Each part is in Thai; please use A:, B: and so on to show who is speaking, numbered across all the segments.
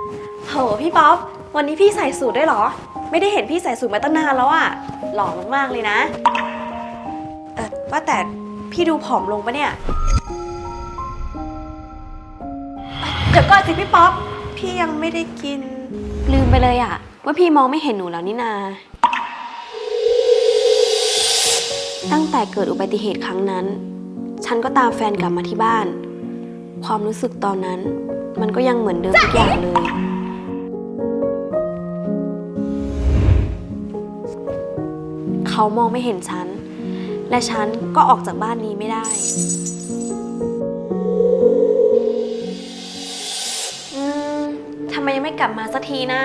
A: โหพี่ป๊อปวันนี้พี่ใส่สูทด้วยเหรอไม่ได้เห็นพี่ใส่สูทมาตั้งนานแล้วอะหล่อมากๆเลยนะว่าแต่พี่ดูผอมลงปะเนี่ยเดี๋ยวก่อนสิพี่ป๊อปพี่ยังไม่ได้กินลืมไปเลยอะว่าพี่มองไม่เห็นหนูแล้วนี่นาตั้งแต่เกิดอุบัติเหตุครั้งนั้นฉันก็ตามแฟนกลับมาที่บ้านความรู้สึกตอนนั้นมันก็ยังเหมือนเดิมทุกอย่างเลยเขามองไม่เห็นฉันและฉันก็ออกจากบ้านนี้ไม่ได้ทำไมยังไม่กลับมาสักทีนะ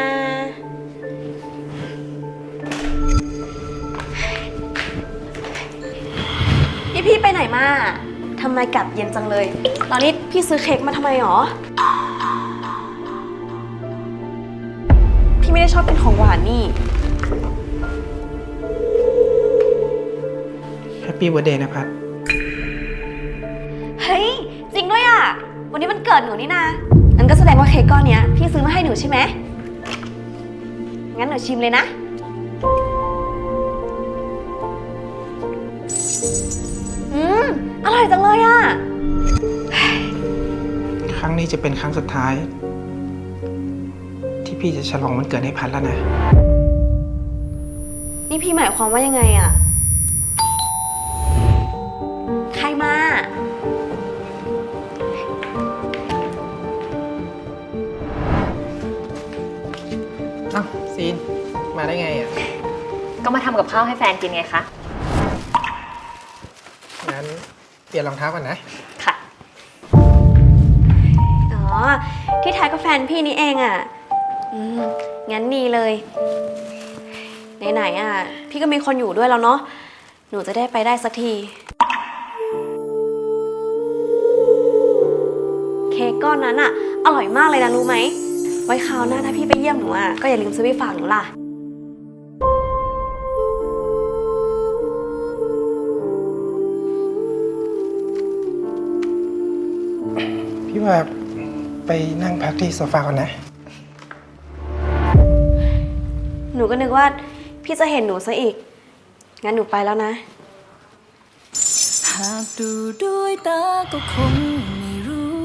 A: พี่ไปไหนมาทำไมกลับเย็นจังเลยตอนนี้พี่ซื้อเค้กมาทำไมหรอพี่ไม่ได้ชอบกินของหวานนี่
B: แฮปปี้เบิร์ธเดย์นะพัด
A: เฮ้ยจริงด้วยอ่ะวันนี้มันเกิดหนูนี่นะงั้นก็แสดงว่าเค้กก้อนเนี้ยพี่ซื้อมาให้หนูใช่ไหมงั้นหนูชิมเลยนะอร่อยจังเลยอ่ะ
B: ครั้งนี้จะเป็นครั้งสุดท้ายที่พี่จะฉลองวันเกิดให้พัดแล้วนะ
A: นี่พี่หมายความว่ายังไงอ่ะใครมา
B: อ้าวซีนมาได้ไงอ่ะ
C: ก็มาทำกับข้าวให้แฟนกินไงคะ
B: งั้นเปลี่ยนรองเท้าก่อนนะ
C: ค่ะ
A: อ๋อที่แท้ก็แฟนพี่นี่เองอ่ะงั้นดีเลยไหนๆอ่ะพี่ก็มีคนอยู่ด้วยแล้วเนาะหนูจะได้ไปได้สักทีเค้กก้อนนั้นอ่ะอร่อยมากเลยนะรู้ไหมไว้คราวหน้าถ้าพี่ไปเยี่ยมหนูอ่ะก็อย่าลืมซื้อไปฝากหนูล่ะ
B: พี่ว่าไปนั่งพักที่โซฟาก่อนนะ
A: หนูก็นึกว่าพี่จะเห็นหนูซะอีกงั้นหนูไปแล้วนะ
D: หากดูด้วยตาก็คงไม่รู้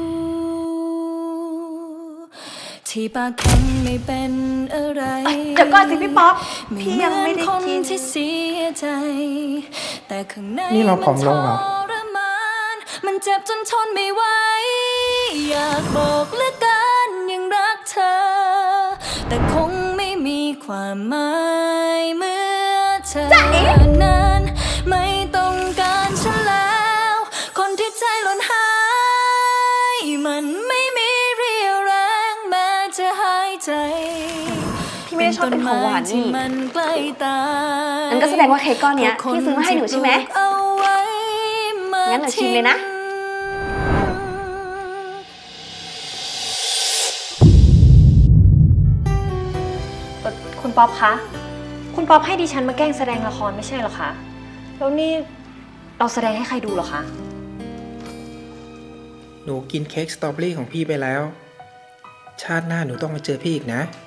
D: ที่ปากแข็งไม่เป็นอะไร
A: เดี๋ยวก่อนสิพี่ป๊อปพี่ยังไม่ได้กิน
D: ที่เสียใจแต่ข้างใน
B: นี่เราผอมลงเหรอ
D: มันเจ็บจนทนไม่ไหวอยากบอกเหลือเกินยังรักเธอแต่คงไม่มีความหมายเมื่อเธอนั้นไม่ต้องการฉันแล้วคนที่ใจหล่นหายมันไม่มีเรี่ยวแรงแม้จะหายใจ
A: พี่ไม่ได้ชอบเป็นของหวานนี่
D: มันใกล้ตา
A: งั้นก็แสดงว่าเค้กก้อนเนี้ยพี่ซื้อมาให้หนูใช่ไหมงั้นหนูชิมเลยนะ
C: คุณป๊อปคะคุณป๊อปให้ดิฉันมาแกล้งแสดงละครไม่ใช่เหรอคะแล้วนี่เราแสดงให้ใครดูเหรอคะ
B: หนูกินเค้กสตรอเบอรี่ของพี่ไปแล้วชาติหน้าหนูต้องมาเจอพี่อีกนะ